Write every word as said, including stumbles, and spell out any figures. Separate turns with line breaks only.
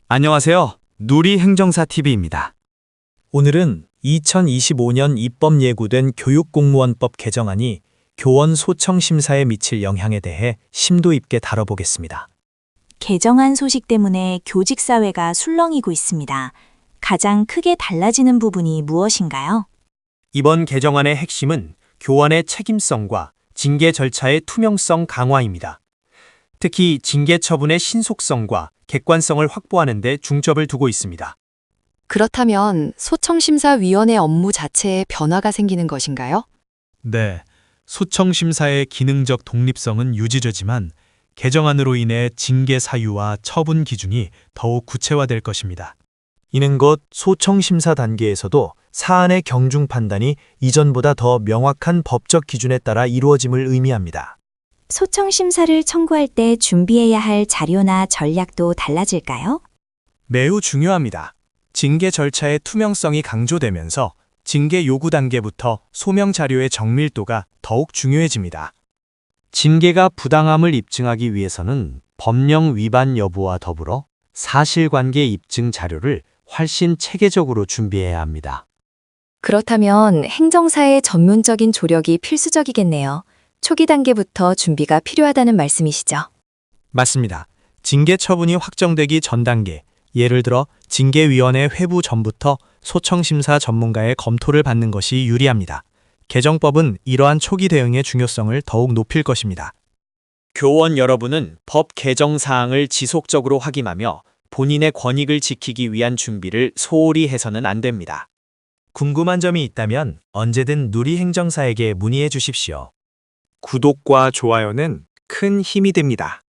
안녕하세요. 누리행정사티비입니다.
오늘은 이천이십오 년 입법 예고된 교육공무원법 개정안이 교원 소청 심사에 미칠 영향에 대해 심도 있게 다뤄보겠습니다.
개정안 소식 때문에 교직 사회가 술렁이고 있습니다. 가장 크게 달라지는 부분이 무엇인가요?
이번 개정안의 핵심은 교원의 책임성과 징계 절차의 투명성 강화입니다. 특히 징계 처분의 신속성과 객관성을 확보하는 데 중점을 두고 있습니다.
그렇다면 소청심사위원회 업무 자체에 변화가 생기는 것인가요?
네, 소청심사의 기능적 독립성은 유지되지만 개정안으로 인해 징계 사유와 처분 기준이 더욱 구체화될 것입니다. 이는 곧 소청심사 단계에서도 사안의 경중 판단이 이전보다 더 명확한 법적 기준에 따라 이루어짐을 의미합니다.
소청 심사를 청구할 때 준비해야 할 자료나 전략도 달라질까요?
매우 중요합니다. 징계 절차의 투명성이 강조되면서 징계 요구 단계부터 소명 자료의 정밀도가 더욱 중요해집니다.
징계가 부당함을 입증하기 위해서는 법령 위반 여부와 더불어 사실관계 입증 자료를 훨씬 체계적으로 준비해야 합니다.
그렇다면 행정사의 전문적인 조력이 필수적이겠네요. 초기 단계부터 준비가 필요하다는 말씀이시죠?
맞습니다. 징계 처분이 확정되기 전 단계, 예를 들어 징계위원회 회부 전부터 소청심사 전문가의 검토를 받는 것이 유리합니다. 개정법은 이러한 초기 대응의 중요성을 더욱 높일 것입니다.
교원 여러분은 법 개정 사항을 지속적으로 확인하며 본인의 권익을 지키기 위한 준비를 소홀히 해서는 안 됩니다.
궁금한 점이 있다면 언제든 누리행정사에게 문의해 주십시오.
구독과 좋아요는 큰 힘이 됩니다.